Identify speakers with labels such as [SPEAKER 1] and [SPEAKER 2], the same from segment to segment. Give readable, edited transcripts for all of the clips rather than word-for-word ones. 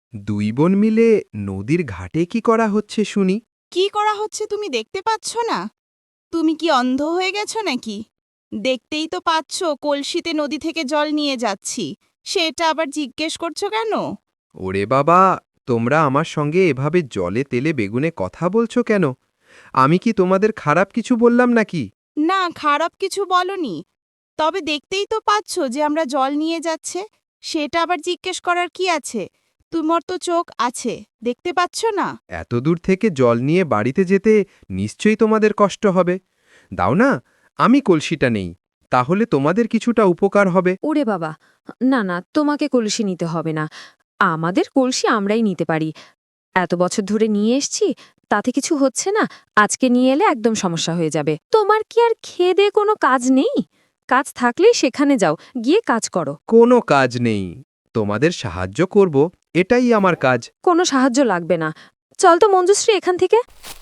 [SPEAKER 1] দুই বোন মিলে নদীর ঘাটে কি করা হচ্ছে শুনি?
[SPEAKER 2] কি করা হচ্ছে তুমি দেখতে পাচ্ছ না? তুমি কি অন্ধ হয়ে গেছো নাকি? দেখতেই তো পাচ্ছ কলসিতে নদী থেকে জল নিয়ে যাচ্ছি। সেটা আবার জিজ্ঞেস করছো কেন?
[SPEAKER 1] ওরে বাবা, তোমরা আমার সঙ্গে এভাবে জলে তেলে বেগুনে কথা বলছো কেন? আমি কি তোমাদের খারাপ কিছু বললাম নাকি?
[SPEAKER 2] না, খারাপ কিছু বলনি। তবে দেখতেই তো পাচ্ছ যে আমরা জল নিয়ে যাচ্ছে। সেটা আবার জিজ্ঞেস করার কি আছে? তোমার তো চোখ আছে, দেখতে পাচ্ছ না?
[SPEAKER 1] এত দূর থেকে জল নিয়ে বাড়িতে যেতে নিশ্চয়ই তোমাদের কষ্ট হবে। দাও না, আমি কলসিটা নেই, তাহলে তোমাদের কিছুটা উপকার হবে।
[SPEAKER 3] ওরে বাবা, না না, তোমাকে কলসি নিতে হবে না। আমাদের কলসি আমরাই নিতে পারি। এত বছর ধরে নিয়ে এসছি, তাতে কিছু হচ্ছে না। আজকে নিয়ে এলে একদম সমস্যা হয়ে যাবে। তোমার কি আর খেয়ে দেয়ে কোনো কাজ নেই? কাজ থাকলেই সেখানে যাও, গিয়ে কাজ করো।
[SPEAKER 1] কোনো কাজ নেই, তোমাদের সাহায্য করব, এটাই আমার কাজ।
[SPEAKER 3] কোনো সাহায্য লাগবে না। চল তো মঞ্জুশ্রী এখান থেকে।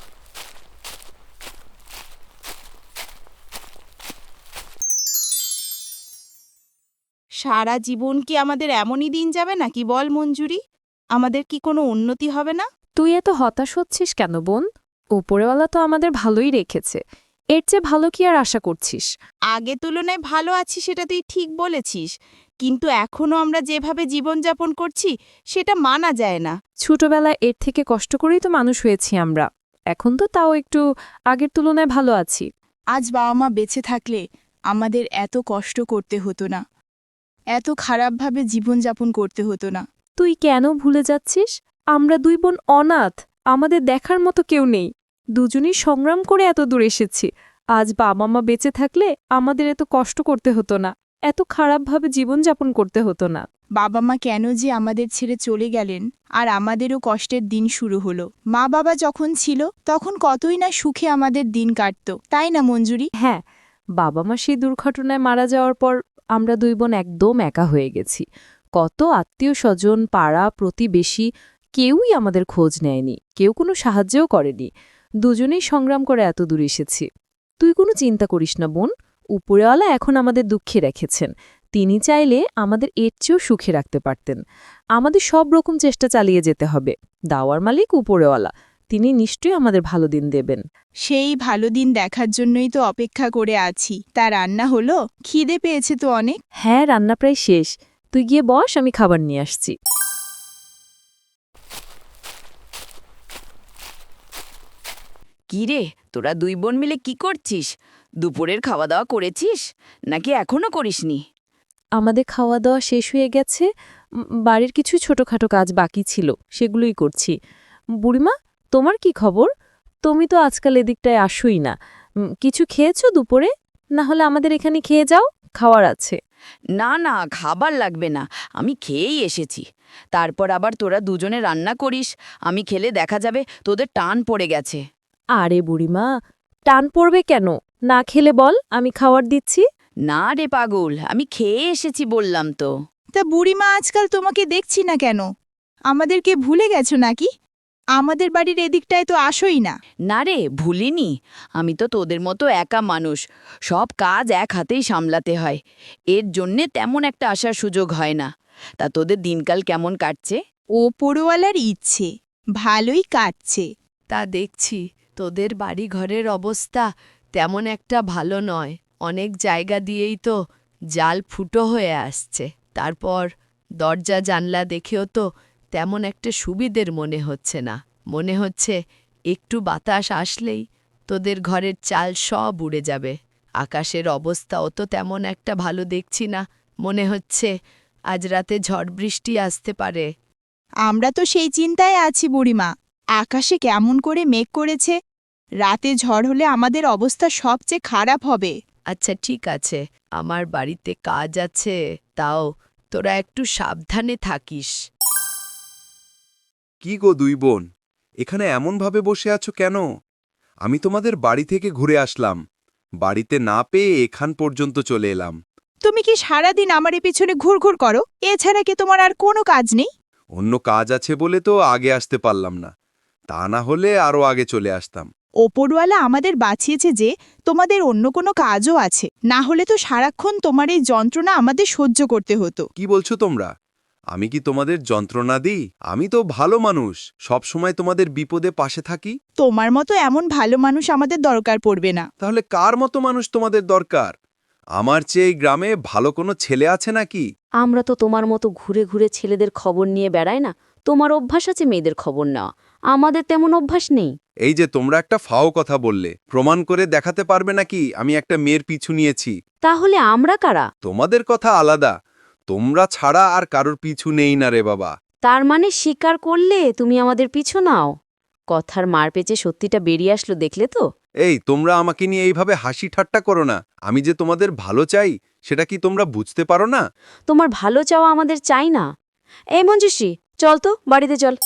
[SPEAKER 2] সারা জীবন কি আমাদের এমনই দিন যাবে নাকি বল মঞ্জুরি? আমাদের কি কোনো উন্নতি হবে না?
[SPEAKER 4] তুই এত হতাশ হচ্ছিস কেন বোন? ওপরেওয়ালা তো আমাদের ভালোই রেখেছে। এর চেয়ে ভালো কি আর আশা করছিস?
[SPEAKER 2] আগে তুলনায় ভালো আছি সেটা তুই ঠিক বলেছিস, কিন্তু এখনো আমরা যেভাবে জীবনযাপন করছি সেটা মানা যায় না।
[SPEAKER 4] ছোটবেলায় এর থেকে কষ্ট করেই তো মানুষ হয়েছি আমরা। এখন তো তাও একটু আগের তুলনায় ভালো আছি।
[SPEAKER 5] আজ বাবা মা বেঁচে থাকলে আমাদের এত কষ্ট করতে হতো না, এত খারাপভাবে জীবনযাপন করতে হতো না।
[SPEAKER 4] তুই কেন ভুলে যাচ্ছিস? আমরা দুই বোন অনাথ, আমাদের দেখার মতো কেউ নেই। দুজনেই সংগ্রাম করে এত দূর এসেছি। আজ বাবা মা বেঁচে থাকলে আমাদের এত কষ্ট করতে হতো না, এত খারাপভাবে জীবনযাপন করতে হতো না।
[SPEAKER 5] বাবা মা কেন যে আমাদের ছেড়ে চলে গেলেন, আর আমাদেরও কষ্টের দিন শুরু হলো। মা বাবা যখন ছিল তখন কতই না সুখে আমাদের দিন কাটত, তাই না মঞ্জুরি?
[SPEAKER 4] হ্যাঁ, বাবা মা সেই দুর্ঘটনায় মারা যাওয়ার পর আমরা দুই বোন একদম একা হয়ে গেছি। কত আত্মীয় স্বজন, পাড়া প্রতিবেশী কেউই আমাদের খোঁজ নেয়নি, কেউ কোনো সাহায্যও করেনি। দুজনেই সংগ্রাম করে এত দূর এসেছি। তুই কোনো চিন্তা করিস না বোন, উপরেওয়ালা এখন আমাদের দুঃখে রেখেছেন। তিনি চাইলে আমাদের এর চেয়েও সুখে রাখতে পারতেন। আমাদের সব রকম চেষ্টা চালিয়ে যেতে হবে। দাওয়ার মালিক উপরেওয়ালা, তিনি নিশ্চয়ই আমাদের ভালো দিন দেবেন।
[SPEAKER 5] সেই ভালো দিন দেখার জন্যই তো অপেক্ষা করে আছি। তা রান্না হলো? খিদে পেয়েছে তো অনেক।
[SPEAKER 4] হ্যাঁ, রান্না প্রায় শেষ। তুই গিয়ে বস, আমি খাবার নিয়ে আসছি।
[SPEAKER 6] কি রে, তোরা দুই বোন মিলে কি করছিস? দুপুরের খাওয়া দাওয়া করেছিস নাকি এখনো করিসনি?
[SPEAKER 4] আমাদের খাওয়া দাওয়া শেষ হয়ে গেছে। বাড়ির কিছু ছোটখাটো কাজ বাকি ছিল, সেগুলোই করছি। বুড়িমা, তোমার কি খবর? তুমি তো আজকাল এদিকটায় আসোই না। কিছু খেয়েছো দুপুরে? না হলে আমাদের এখানে খেয়ে যাও, খাওয়ার আছে।
[SPEAKER 6] না না, খাবার লাগবে না, আমি খেয়েই এসেছি। তারপর আবার তোরা দুজনে রান্না করিস, আমি খেলে দেখা যাবে তোদের টান পড়ে গেছে।
[SPEAKER 4] আরে বুড়িমা, টান পড়বে কেন? না খেলে বল, আমি খাওয়ার দিচ্ছি।
[SPEAKER 6] না রে পাগল, আমি খেয়ে এসেছি বললাম তো।
[SPEAKER 5] তা বুড়িমা, আজকাল তোমাকে দেখছি না কেন? আমাদেরকে ভুলে গেছো নাকি? আমাদের বাড়ির এদিকটায় তো আসোই না।
[SPEAKER 6] না রে, ভুলিনি। আমি তো তোদের মতো একা মানুষ, সব কাজ এক হাতেই সামলাতে হয়। এর জন্যে তেমন একটা আসার সুযোগ হয় না। তা তোদের দিনকাল কেমন কাটছে?
[SPEAKER 5] ওপরওয়ালার ইচ্ছে, ভালোই কাটছে।
[SPEAKER 7] তা দেখছি তোদের বাড়ি ঘরের অবস্থা তেমন একটা ভালো নয়। অনেক জায়গা দিয়েই তো জাল ফুটো হয়ে আসছে। তারপর দরজা জানলা দেখেও তো তেমন একটা সুবিধের মনে হচ্ছে না। মনে হচ্ছে একটু বাতাস আসলেই তোদের ঘরের চাল সব উড়ে যাবে। আকাশের অবস্থাও তো তেমন একটা ভালো দেখছি না। মনে হচ্ছে আজ রাতে ঝড় বৃষ্টি আসতে পারে।
[SPEAKER 5] আমরা তো সেই চিন্তায় আছি বুড়িমা। আকাশে কেমন করে মেঘ করেছে, রাতে ঝড় হলে আমাদের অবস্থা সবচেয়ে খারাপ হবে।
[SPEAKER 7] আচ্ছা ঠিক আছে, আমার বাড়িতে কাজ আছে, তাও তোরা একটু সাবধানে থাকিস।
[SPEAKER 8] কি গো দুই বোন, এখানে এমনভাবে বসে আছো কেন? আমি তোমাদের বাড়ি থেকে ঘুরে আসলাম, বাড়িতে না পেয়ে এখান পর্যন্ত চলে এলাম।
[SPEAKER 5] তুমি কি সারাদিন আমার পেছনে ঘুরঘুর করো? এছাড়া কি তোমার আর কোনো কাজ নেই?
[SPEAKER 8] অন্য কাজ আছে বলে তো আগে আসতে পারলাম না, তা না হলে আরও আগে চলে আসতাম।
[SPEAKER 5] ওপরওয়ালা আমাদের বাঁচিয়েছে যে তোমাদের অন্য কোনো কাজও আছে, না হলে তো সারাক্ষণ তোমার এই যন্ত্রণা আমাদের সহ্য করতে হতো।
[SPEAKER 8] কি বলছো তোমরা? আমি কি তোমাদের যন্ত্রণা দিই? আমি তো ভালো মানুষ, সব সময় তোমাদের বিপদে পাশে থাকি।
[SPEAKER 5] তোমার মতো এমন ভালো মানুষ আমাদের দরকার পড়বে না।
[SPEAKER 8] তাহলে কার মতো মানুষ তোমাদের দরকার? আমার চেয়ে এই গ্রামে ভালো কোনো ছেলে আছে নাকি?
[SPEAKER 9] আমরা তো তোমার মতো ঘুরে ঘুরে ছেলেদের খবর নিয়ে বেড়াই না। তোমার অভ্যাস আছে মেয়েদের খবর নেওয়া, আমাদের তেমন অভ্যাস নেই।
[SPEAKER 8] এই যে তোমরা একটা ফাও কথা বললে, প্রমাণ করে দেখাতে পারবে নাকি আমি একটা মেয়ের পিছু নিয়েছি?
[SPEAKER 9] তাহলে আমরা কারা?
[SPEAKER 8] তোমাদের কথা আলাদা, তোমরা ছাড়া আর কারোর পিছু নেই না রে বাবা।
[SPEAKER 9] তার মানে স্বীকার করলে তুমি আমাদের পিছু নাও? কথার মার পেঁচে সত্যিটা বেরিয়ে আসলো, দেখলে তো?
[SPEAKER 8] এই তোমরা আমাকে নিয়ে এইভাবে হাসি ঠাট্টা করো না। আমি যে তোমাদের ভালো চাই সেটা কি তোমরা বুঝতে পারো না?
[SPEAKER 9] তোমার ভালো চাওয়া আমাদের চাই না। এই মঞ্জুশ্রী, চল তো বাড়িতে চল।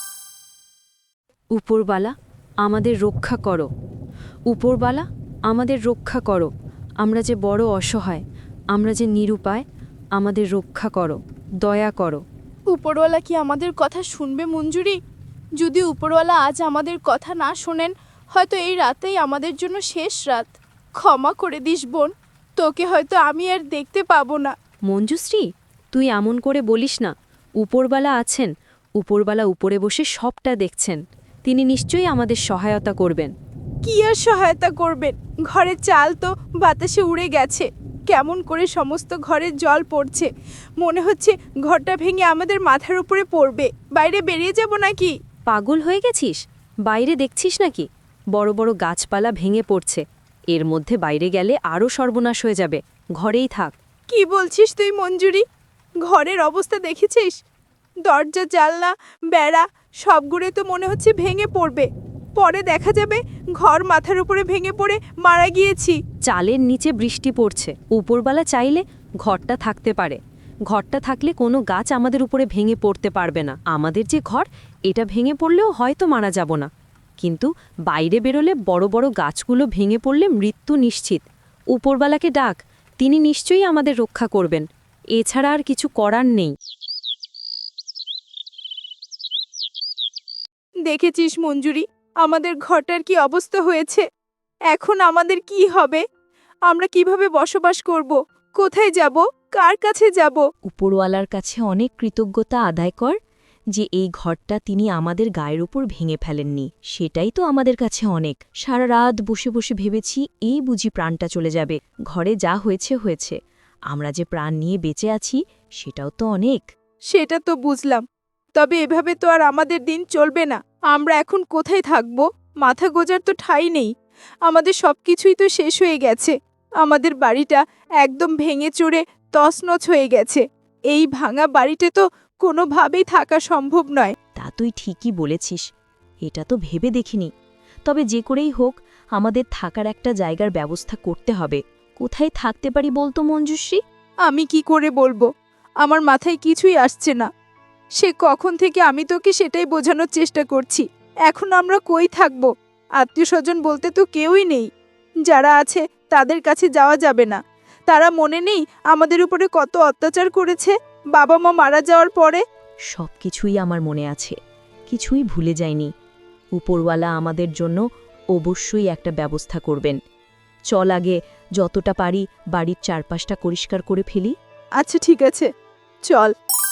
[SPEAKER 3] উপরবালা, আমাদের রক্ষা করো। উপরবালা, আমাদের রক্ষা করো। আমরা যে বড় অসহায়, আমরা যে নিরুপায়, আমাদের রক্ষা করো, দয়া করো।
[SPEAKER 5] উপরওয়ালা কি আমাদের কথা শুনবে মঞ্জুরি? যদি উপরওয়ালা আজ আমাদের কথা না শোনেন, হয়তো এই রাতেই আমাদের জন্য শেষ রাত। ক্ষমা করে দিস বোন, তোকে হয়তো আমি আর দেখতে পাবো না।
[SPEAKER 3] মঞ্জুশ্রী, তুই এমন করে বলিস না। উপরবালা আছেন, উপরবালা উপরে বসে সবটা দেখছেন। তিনি নিশ্চয়ই আমাদের সহায়তা করবেন।
[SPEAKER 5] কি আর সহায়তা করবেন? ঘরের চাল তো বাতাসে উড়ে গেছে। কেমন করে সমস্ত ঘরের জল পড়ছে, মনে হচ্ছে ঘরটা ভেঙে আমাদের মাথার উপরে পড়বে। বাইরে বেরিয়ে যাব নাকি?
[SPEAKER 3] পাগল হয়ে গেছিস? বাইরে দেখছিস নাকি? বড় বড় গাছপালা ভেঙে পড়ছে। এর মধ্যে বাইরে গেলে আরও সর্বনাশ হয়ে যাবে। ঘরেই থাক।
[SPEAKER 5] কি বলছিস তুই মঞ্জুরি? ঘরের অবস্থা দেখেছিস? দরজা, জানলা, বেড়া সবগুলো তো মনে হচ্ছে ভেঙে পড়বে। পরে দেখা যাবে ঘর মাথার উপরে ভেঙে পড়ে মারা গিয়েছি।
[SPEAKER 3] চালের নিচে বৃষ্টি পড়ছে। উপরবালা চাইলে ঘরটা থাকতে পারে। ঘরটা থাকলে কোনো গাছ আমাদের উপরে ভেঙে পড়তে পারবে না। আমাদের যে ঘর, এটা ভেঙে পড়লেও হয়তো মারা যাব না। কিন্তু বাইরে বেরোলে বড় বড় গাছগুলো ভেঙে পড়লে মৃত্যু নিশ্চিত। উপরবালাকে ডাক, তিনি নিশ্চয়ই আমাদের রক্ষা করবেন। এছাড়া আর কিছু করার নেই।
[SPEAKER 5] দেখেছিস মঞ্জুরি, আমাদের ঘরটার কি অবস্থা হয়েছে? এখন আমাদের কি হবে? আমরা কিভাবে বসবাস করব? কোথায় যাব? কার কাছে যাব?
[SPEAKER 9] উপরওয়ালার কাছে অনেক কৃতজ্ঞতা আদায় কর যে এই ঘরটা তিনি আমাদের গায়ের উপর ভেঙে ফেলেননি। সেটাই তো আমাদের কাছে অনেক। সারা রাত বসে বসে ভেবেছি এই বুঝি প্রাণটা চলে যাবে। ঘরে যা হয়েছে হয়েছে, আমরা যে প্রাণ নিয়ে বেঁচে আছি সেটাও তো অনেক।
[SPEAKER 5] সেটা তো বুঝলাম, তবে এভাবে তো আর আমাদের দিন চলবে না। আমরা এখন কোথায় থাকব? মাথা গোজার তো ঠাঁই নেই। আমাদের সবকিছুই তো শেষ হয়ে গেছে। আমাদের বাড়িটা একদম ভেঙে চড়ে তছনছ হয়ে গেছে। এই ভাঙা বাড়িতে তো কোনোভাবেই থাকা সম্ভব নয়।
[SPEAKER 9] তা তুই ঠিকই বলেছিস, এটা তো ভেবে দেখিনি। তবে যে করেই হোক আমাদের থাকার একটা জায়গার ব্যবস্থা করতে হবে। কোথায় থাকতে পারি বলতো মঞ্জুশ্রী?
[SPEAKER 5] আমি কি করে বলবো? আমার মাথায় কিছুই আসছে না। সে কখন থেকে আমি তোকে সেটাই বোঝানোর চেষ্টা করছি। এখন আমরা কই থাকব? আত্মীয়স্বজন বলতে তো কেউই নেই। যারা আছে তাদের কাছে যাওয়া যাবে না। তারা মনে নেই আমাদের উপরে কত অত্যাচার করেছে বাবা মা মারা যাওয়ার পরে?
[SPEAKER 9] সব কিছুই আমার মনে আছে, কিছুই ভুলে যাইনি। উপরওয়ালা আমাদের জন্য অবশ্যই একটা ব্যবস্থা করবেন। চল আগে যতটা পারি বাড়ির চারপাশটা পরিষ্কার করে ফেলি।
[SPEAKER 5] আচ্ছা ঠিক আছে, চল।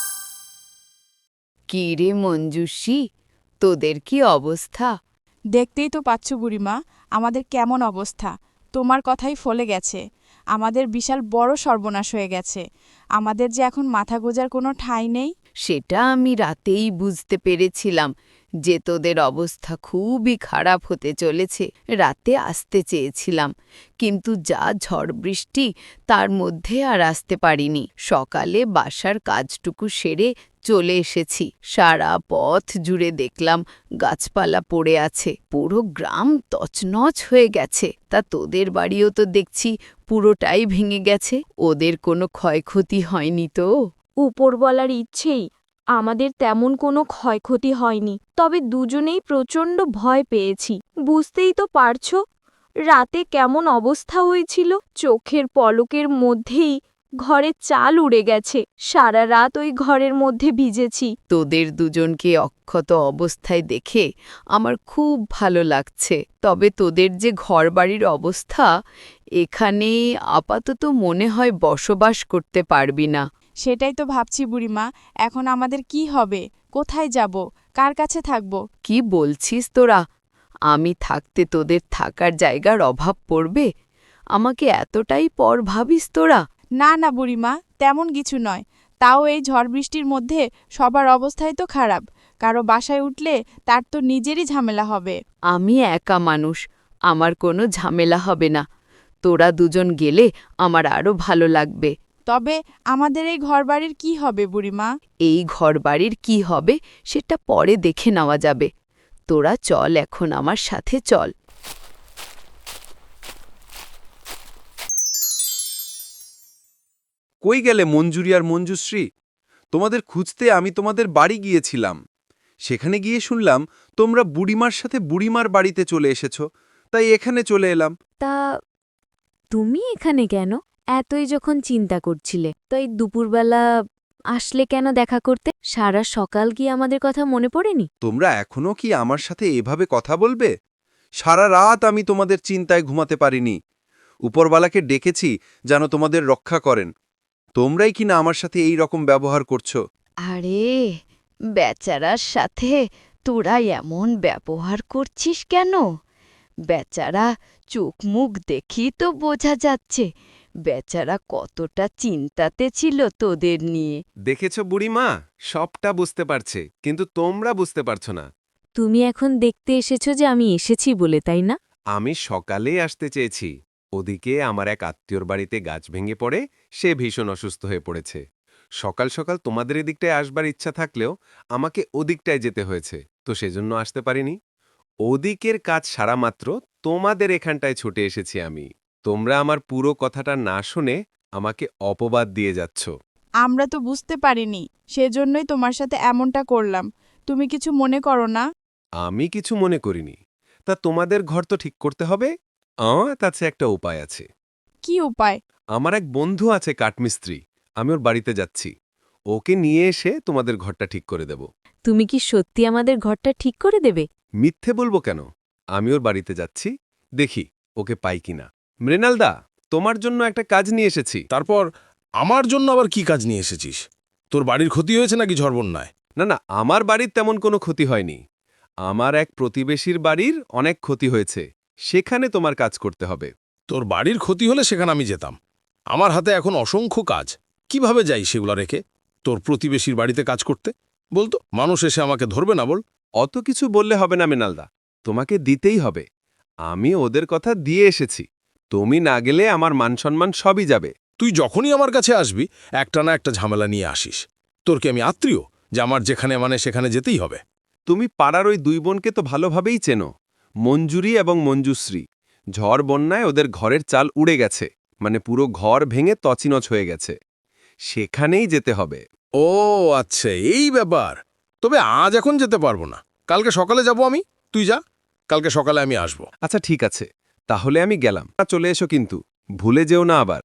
[SPEAKER 6] কি রে মঞ্জুশ্রী, তোদের কি অবস্থা?
[SPEAKER 5] দেখতেই তো পাচ্ছ বুড়িমা, আমাদের কেমন অবস্থা। তোমার কথাই ফলে গেছে। আমাদের বিশাল বড় সর্বনাশ হয়ে গেছে। আমাদের যে এখন মাথা গোজার কোনো ঠাঁই নেই।
[SPEAKER 6] সেটা আমি রাতেই বুঝতে পেরেছিলাম যে তোদের অবস্থা খুবই খারাপ হতে চলেছে। রাতে আসতে চেয়েছিলাম, কিন্তু যা ঝড় বৃষ্টি, তার মধ্যে আর আসতে পারিনি। সকালে বাসার কাজটুকু সেরে চলে এসেছি। সারা পথ জুড়ে দেখলাম গাছপালা পড়ে আছে, পুরো গ্রাম তছনছ হয়ে গেছে। তা তোদের বাড়িও তো দেখছি পুরোটাই ভেঙে গেছে। ওদের কোনো ক্ষয়ক্ষতি হয়নি তো?
[SPEAKER 9] উপরওয়ালার ইচ্ছেই আমাদের তেমন কোনো ক্ষয়ক্ষতি হয়নি। তবে দুজনেই প্রচণ্ড ভয় পেয়েছি। বুঝতেই তো পারছো রাতে কেমন অবস্থা হয়েছিল। চোখের পলকের মধ্যেই ঘরের চাল উড়ে গেছে। সারা রাত ওই ঘরের মধ্যে ভিজেছি।
[SPEAKER 6] তোদের দুজনকে অক্ষত অবস্থায় দেখে আমার খুব ভালো লাগছে। তবে তোদের যে ঘরবাড়ির অবস্থা, এখানে আপাতত মনে হয় বসবাস করতে পারবি না।
[SPEAKER 5] সেটাই তো ভাবছি বুড়িমা, এখন আমাদের কি হবে? কোথায় যাব? কার কাছে থাকব?
[SPEAKER 6] কি বলছিস তোরা? আমি থাকতে তোদের থাকার জায়গার অভাব পড়বে? আমাকে এতটাই পর ভাবিস তোরা?
[SPEAKER 5] না না বুড়িমা, তেমন কিছু নয়। তাও এই ঝড় বৃষ্টির মধ্যে সবার অবস্থাই তো খারাপ। কারো বাসায় উঠলে তার তো নিজেরই ঝামেলা হবে।
[SPEAKER 6] আমি একা মানুষ, আমার কোনো ঝামেলা হবে না। তোরা দুজন গেলে আমার আরও ভালো লাগবে।
[SPEAKER 5] তবে আমাদের এই ঘরবাড়ির কি হবে বুড়িমা?
[SPEAKER 6] এই ঘরবাড়ির কি হবে সেটা পরে দেখে নেওয়া যাবে। তোরা চল, এখন আমার সাথে চল।
[SPEAKER 8] কই গেলে মঞ্জুরি আর মঞ্জুশ্রী? তোমাদের খুঁজতে আমি তোমাদের বাড়ি গিয়েছিলাম। সেখানে গিয়ে শুনলাম তোমরা বুড়িমার সাথে বুড়িমার বাড়িতে চলে এসেছ, তাই এখানে চলে এলাম।
[SPEAKER 3] তা তুমি এখানে কেন? এতই যখন চিন্তা করছিলে তো এই দুপুরবেলা আসলে কেন দেখা করতে? সারা সকাল কি আমাদের কথা মনে পড়েনি?
[SPEAKER 8] তোমরা এখনো কি আমার সাথে এভাবে কথা বলবে? সারা রাত আমি তোমাদের চিন্তায় ঘুমাতে পারিনি। উপরবালাকে ডেকেছি যেন তোমাদের রক্ষা করেন। তোমরাই কি না আমার সাথে এই রকম ব্যবহার করছো?
[SPEAKER 7] আরে বেচারার সাথে তোরা এমন ব্যবহার করছিস কেন? বেচারা চোখ মুখ দেখি তো বোঝা যাচ্ছে বেচারা কতটা চিন্তাতে ছিল তোদের নিয়ে।
[SPEAKER 10] দেখেছ বুড়িমা, সবটা বুঝতে পারছে, কিন্তু তোমরা বুঝতে পারছো না।
[SPEAKER 3] তুমি এখন দেখতে এসেছো যে আমি এসেছি বলে, তাই না?
[SPEAKER 10] আমি সকালে আসতে চেয়েছি, ওদিকে আমার এক আত্মীয়র বাড়িতে গাছ ভেঙে পড়ে সে ভীষণ অসুস্থ হয়ে পড়েছে। সকাল সকাল তোমাদের এদিকটায় আসবার ইচ্ছা থাকলেও আমাকে ওদিকটায় যেতে হয়েছে, তো সেজন্য আসতে পারিনি। ওদিকের কাজ সারা মাত্র তোমাদের এখানটায় ছুটে এসেছি আমি। তোমরা আমার পুরো কথাটা না শুনে আমাকে অপবাদ দিয়ে যাচ্ছ।
[SPEAKER 5] আমরা তো বুঝতে পারিনি, সেজন্যই তোমার সাথে এমনটা করলাম। তুমি কিছু মনে করো না?
[SPEAKER 10] আমি কিছু মনে করিনি। তা তোমাদের ঘর তো ঠিক করতে হবে। তাছে একটা উপায় আছে।
[SPEAKER 5] কি উপায়?
[SPEAKER 10] আমার এক বন্ধু আছে কাঠমিস্ত্রি, আমি ওর বাড়িতে যাচ্ছি। ওকে নিয়ে এসে তোমাদের ঘরটা ঠিক করে দেব।
[SPEAKER 3] তুমি কি সত্যি আমাদের ঘরটা ঠিক করে দেবে?
[SPEAKER 10] মিথ্যে বলবো কেন? আমি ওর বাড়িতে যাচ্ছি, দেখি ওকে পাই কিনা। মৃণালদা, তোমার জন্য একটা কাজ নিয়ে এসেছি।
[SPEAKER 11] তারপর আমার জন্য আবার কি কাজ নিয়ে এসেছিস? তোর বাড়ির ক্ষতি হয়েছে নাকি ঝড় বন্যায়?
[SPEAKER 10] না না, আমার বাড়ির তেমন কোনো ক্ষতি হয়নি। আমার এক প্রতিবেশীর বাড়ির অনেক ক্ষতি হয়েছে, সেখানে তোমার কাজ করতে হবে।
[SPEAKER 11] তোর বাড়ির ক্ষতি হলে সেখানে আমি যেতাম। আমার হাতে এখন অসংখ্য কাজ, কিভাবে যাই সেগুলো রেখে তোর প্রতিবেশীর বাড়িতে কাজ করতে? বলতো মানুষ এসে আমাকে ধরবে না? বল।
[SPEAKER 10] অত কিছু বললে হবে না মৃণালদা, তোমাকে দিতেই হবে। আমি ওদের কথা দিয়ে এসেছি, তুমি না গেলে আমার মানসম্মান সবই যাবে।
[SPEAKER 11] তুই যখনই আমার কাছে আসবি একটা না একটা ঝামেলা নিয়ে আসিস। তোর কি আমি আত্মীয় যে আমার যেখানে মানে সেখানে যেতেই হবে?
[SPEAKER 10] তুমি পাড়ার ওই দুই বোনকে তো ভালোভাবেই চেনো, মঞ্জুরি এবং মঞ্জুশ্রী। ঝড় বন্যায় ওদের ঘরের চাল উড়ে গেছে, মানে পুরো ঘর ভেঙে তছনছ হয়ে গেছে। সেখানেই যেতে হবে।
[SPEAKER 11] ও আচ্ছা, এই ব্যাপার। তবে আজ এখন যেতে পারবো না, কালকে সকালে যাব আমি। তুই যা, কালকে সকালে আমি আসব।
[SPEAKER 10] আচ্ছা ঠিক আছে, তাহলে আমি গেলাম। চলে এসো কিন্তু, ভুলে যেও না আবার।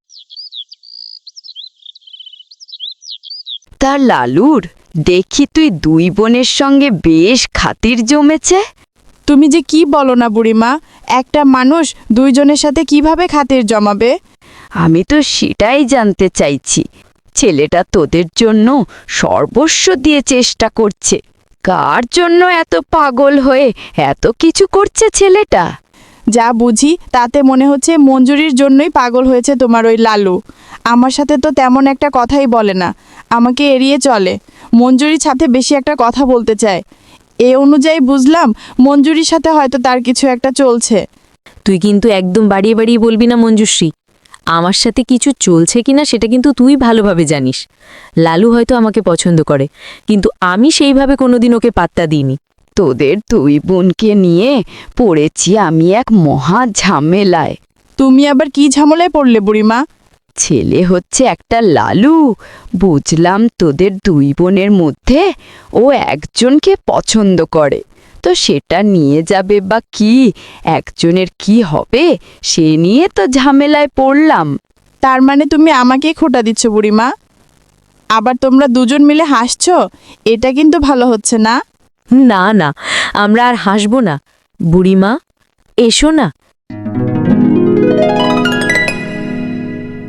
[SPEAKER 7] তা লালুর দেখি তুই দুই বোনের সঙ্গে বেশ খাতির জমেছে।
[SPEAKER 5] তুমি যে কি বলো না বুড়িমা, একটা মানুষ দুইজনের সাথে কিভাবে খাতির জমাবে?
[SPEAKER 7] আমি তো সেটাই জানতে চাইছি। ছেলেটা তোদের জন্য সর্বস্ব দিয়ে চেষ্টা করছে। কার জন্য এত পাগল হয়ে এত কিছু করছে ছেলেটা?
[SPEAKER 5] যা বুঝি তাতে মনে হচ্ছে মঞ্জুরির জন্যই পাগল হয়েছে তোমার ওই লালু। আমার সাথে তো তেমন একটা কথাই বলে না, আমাকে এড়িয়ে চলে। মঞ্জুরির সাথে বেশি একটা কথা বলতে চায়। এ অনুযায়ী বুঝলাম মঞ্জুরির সাথে হয়তো তার কিছু একটা চলছে।
[SPEAKER 3] তুই কিন্তু একদম বাড়িয়ে বাড়িয়ে বলবি না মঞ্জুশ্রী। আমার সাথে কিছু চলছে কিনা সেটা কিন্তু তুই ভালোভাবে জানিস। লালু হয়তো আমাকে পছন্দ করে, কিন্তু আমি সেইভাবে কোনোদিন ওকে পাত্তা দিইনি।
[SPEAKER 7] তোদের দুই বোনকে নিয়ে পড়েছি আমি এক মহা ঝামেলায়।
[SPEAKER 5] তুমি আবার কি ঝামেলায় পড়লে বুড়িমা?
[SPEAKER 7] ছেলে হচ্ছে একটা লালু। বুঝলাম তোদের দুই বোনের মধ্যে ও একজনকে পছন্দ করে, তো সেটা নিয়ে যাবে বা কি, একজনের কি হবে সে নিয়ে তো ঝামেলায় পড়লাম।
[SPEAKER 5] তার মানে তুমি আমাকেই খোঁটা দিচ্ছ বুড়িমা? আবার তোমরা দুজন মিলে হাসছো, এটা কিন্তু ভালো হচ্ছে না।
[SPEAKER 3] না না, আমরা আর হাসব না। বুড়িমা, এসো না।
[SPEAKER 7] কি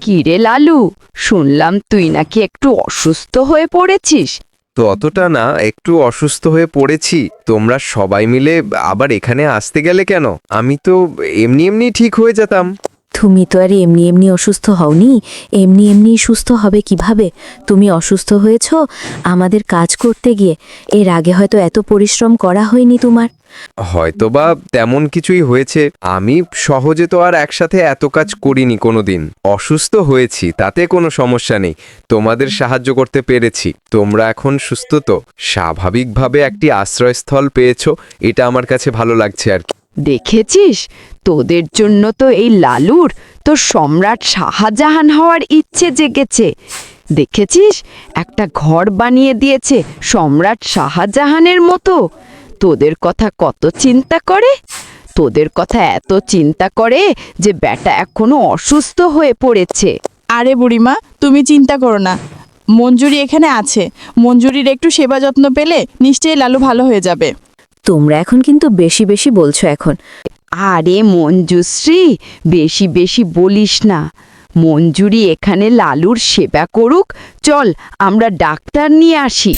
[SPEAKER 6] কিরে লালু, শুনলাম তুই নাকি একটু অসুস্থ হয়ে পড়েছিস।
[SPEAKER 1] ততটা না, একটু অসুস্থ হয়ে পড়েছি। তোমরা সবাই মিলে আবার এখানে আসতে গেলে কেন? আমি তো এমনি এমনি ঠিক হয়ে যেতাম।
[SPEAKER 3] তুমি তো আর এমনি এমনি অসুস্থ হওনি, এমনি এমনি সুস্থ হবে কিভাবে? তুমি অসুস্থ হয়েছ আমাদের কাজ করতে গিয়ে। এর আগে হয়তো এত পরিশ্রম করা হয়নি তোমার।
[SPEAKER 1] হয়তোবা তেমন কিছুই হয়েছে। আমি সহজে তো আর একসাথে এত কাজ করিনি কোনোদিন। অসুস্থ হয়েছি, তাতে কোনো সমস্যা নেই। তোমাদের সাহায্য করতে পেরেছি। তোমরা এখন সুস্থ তো, স্বাভাবিকভাবে একটি আশ্রয়স্থল পেয়েছো, এটা আমার কাছে ভালো লাগছে আর কি।
[SPEAKER 6] দেখেছিস, তোদের জন্য তো এই লালুর তো সম্রাট শাহজাহান হওয়ার ইচ্ছে জেগেছে। দেখেছিস, একটা ঘর বানিয়ে দিয়েছে সম্রাট শাহজাহানের মতো। তোদের কথা কত চিন্তা করে, তোদের কথা এত চিন্তা করে যে বেটা এখনো অসুস্থ হয়ে পড়েছে।
[SPEAKER 2] আরে বুড়িমা, তুমি চিন্তা করো না, মঞ্জুরি এখানে আছে। মঞ্জুরির একটু সেবা যত্ন পেলে নিশ্চয়ই লালু ভালো হয়ে যাবে।
[SPEAKER 3] তোমরা এখন কিন্তু বেশি বেশি বলছো এখন।
[SPEAKER 6] আরে মঞ্জুশ্রী, বেশি বেশি বলিস না। মঞ্জুরি এখানে লালুর সেবা করুক। চল আমরা ডাক্তার নিয়ে আসি।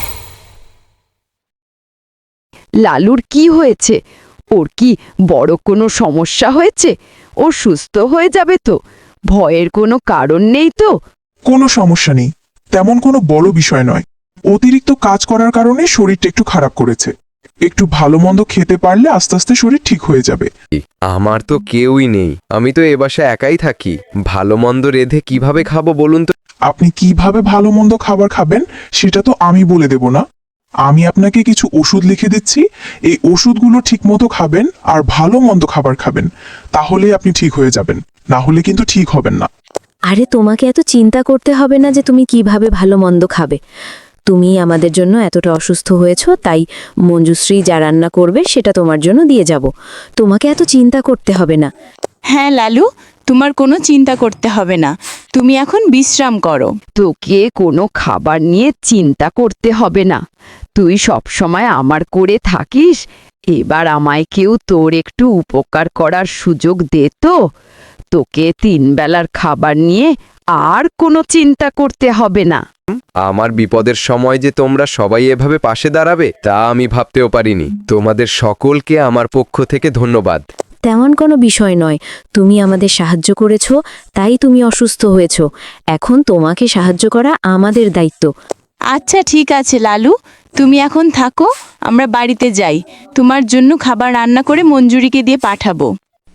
[SPEAKER 6] লালুর কি হয়েছে? ওর কি বড় কোনো সমস্যা হয়েছে? ও সুস্থ হয়ে যাবে তো? ভয়ের কোনো কারণ নেই তো?
[SPEAKER 12] কোনো সমস্যা নেই, তেমন কোনো বড় বিষয় নয়। অতিরিক্ত কাজ করার কারণে শরীরটা একটু খারাপ করেছে। একটু ভালো মন্দ খেতে পারলে আস্তে আস্তে শরীর ঠিক হয়ে যাবে।
[SPEAKER 1] আমার তো কেউই নেই, আমি তো এ বাসায় একাই থাকি। ভালো মন্দ রেঁধে কিভাবে খাবো বলুন তো?
[SPEAKER 12] আপনি কিভাবে ভালো মন্দ খাবার খাবেন সেটা তো আমি বলে দেব না। আমি আপনাকে কিছু ওষুধ লিখে দিচ্ছি, এই ওষুধগুলো ঠিকমতো খাবেন আর ভালো মন্দ খাবার খাবেন, তাহলেই আপনি ঠিক হয়ে যাবেন, না হলে কিন্তু ঠিক হবেন না।
[SPEAKER 3] আরে তোমাকে এত চিন্তা করতে হবে না যে তুমি কিভাবে ভালো মন্দ খাবে। তুমি আমাদের জন্য এতটা অসুস্থ হয়েছো, তাই মঞ্জুশ্রী যা রান্না করবে সেটা তোমার জন্য দিয়ে যাব। তোমাকে এত চিন্তা করতে হবে না।
[SPEAKER 2] হ্যাঁ লালু, তোমার কোনো চিন্তা করতে হবে না। তুমি এখন বিশ্রাম করো।
[SPEAKER 6] তোকে কোনো খাবার নিয়ে চিন্তা করতে হবে না। তুই সবসময় আমার করে থাকিস। এবার আমায় কেউ তোর একটু উপকার করার সুযোগ দে তো। তোকে 3 বেলার খাবার নিয়ে আর কোনো চিন্তা করতে হবে না।
[SPEAKER 1] আমার বিপদের সময় যে তোমরা সবাই এভাবে পাশে দাঁড়াবে তা আমি ভাবতেও পারিনি। তোমাদের সকলকে আমার পক্ষ থেকে ধন্যবাদ।
[SPEAKER 3] তেমন কোনো বিষয় নয়, তুমি আমাদের সাহায্য করেছো, তাই তুমি অসুস্থ হয়েছো। এখন তোমাকে সাহায্য করা আমাদের দায়িত্ব।
[SPEAKER 2] আচ্ছা ঠিক আছে লালু, তুমি এখন থাকো, আমরা বাড়িতে যাই। তোমার জন্য খাবার রান্না করে মঞ্জুরিকে দিয়ে পাঠাবো।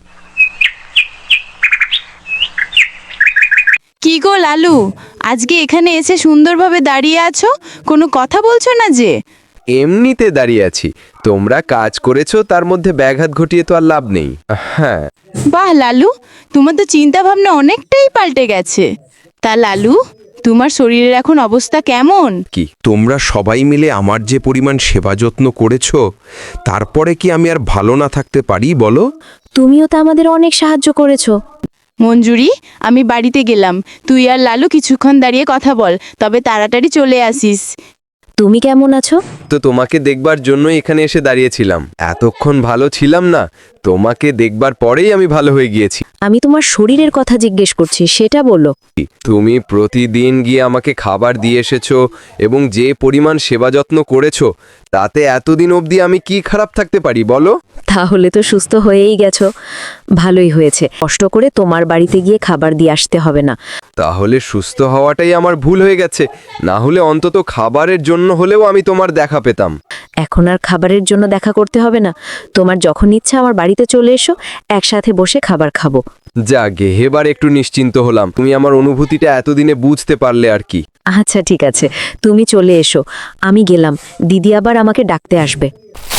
[SPEAKER 2] কি গো লালু, আজকে এখানে এসে সুন্দরভাবে দাঁড়িয়ে আছো, কোনো কথা বলছো না যে?
[SPEAKER 1] এমনিতে দাঁড়িয়ে আছি। তোমরা কাজ করেছো, তার মধ্যে ব্যাঘাত ঘটিয়ে তো আর লাভ নেই। হ্যাঁ।
[SPEAKER 2] বাহ লালু, তোমার তো চিন্তা ভাবনা অনেকটাই পাল্টে গেছে। তা লালু, তোমার শরীরের এখন অবস্থা কেমন?
[SPEAKER 8] কি তোমরা সবাই মিলে আমার যে পরিমাণ সেবা যত্ন করেছো, তারপরে কি আমি আর ভালো না থাকতে পারি বলো?
[SPEAKER 3] তুমিও তো আমাদের অনেক সাহায্য করেছো।
[SPEAKER 2] মঞ্জুরি, আমি বাড়িতে গেলাম। তুই আর লালু কিছুক্ষণ দাঁড়িয়ে কথা বল, তবে তাড়াতাড়ি চলে আসিস।
[SPEAKER 3] তুমি কেমন আছো?
[SPEAKER 1] তো তোমাকে দেখবার জন্যই এখানে এসে দাঁড়িয়েছিলাম। এতক্ষণ ভালো ছিলাম না, তোমাকে দেখবার পরেই আমি ভালো হয়ে গিয়েছি।
[SPEAKER 3] আমি তোমার শরীরের কথা জিজ্ঞেস করছি, সেটা বলো।
[SPEAKER 1] তুমি প্রতিদিন গিয়ে আমাকে খাবার দিয়ে এসেছো এবং যে পরিমাণ সেবা যত্ন করেছো, তাতে এতদিন অবধি আমি কি খারাপ থাকতে পারি বলো?
[SPEAKER 3] তাহলে তো সুস্থ হয়েই গেছো, ভালোই হয়েছে। কষ্ট করে তোমার বাড়িতে গিয়ে খাবার দিয়ে আসতে হবে না।
[SPEAKER 1] তাহলে সুস্থ হওয়াটাই আমার ভুল হয়ে গেছে। না হলে অন্তত খাবারের জন্য হলেও আমি তোমার দেখা পেতাম।
[SPEAKER 3] এখন আর খাবারের জন্য দেখা করতে হবে না। তোমার যখন ইচ্ছা আমার বাড়িতে চলে এসো, একসাথে বসে খাবার খাবো।
[SPEAKER 1] যাগে, এবার একটু নিশ্চিন্ত হলাম। তুমি আমার অনুভূতিটা এতদিনে বুঝতে পারলে আর কি।
[SPEAKER 3] আচ্ছা ঠিক আছে, তুমি চলে এসো, আমি গেলাম। দিদি আবার আমাকে ডাকতে আসবে।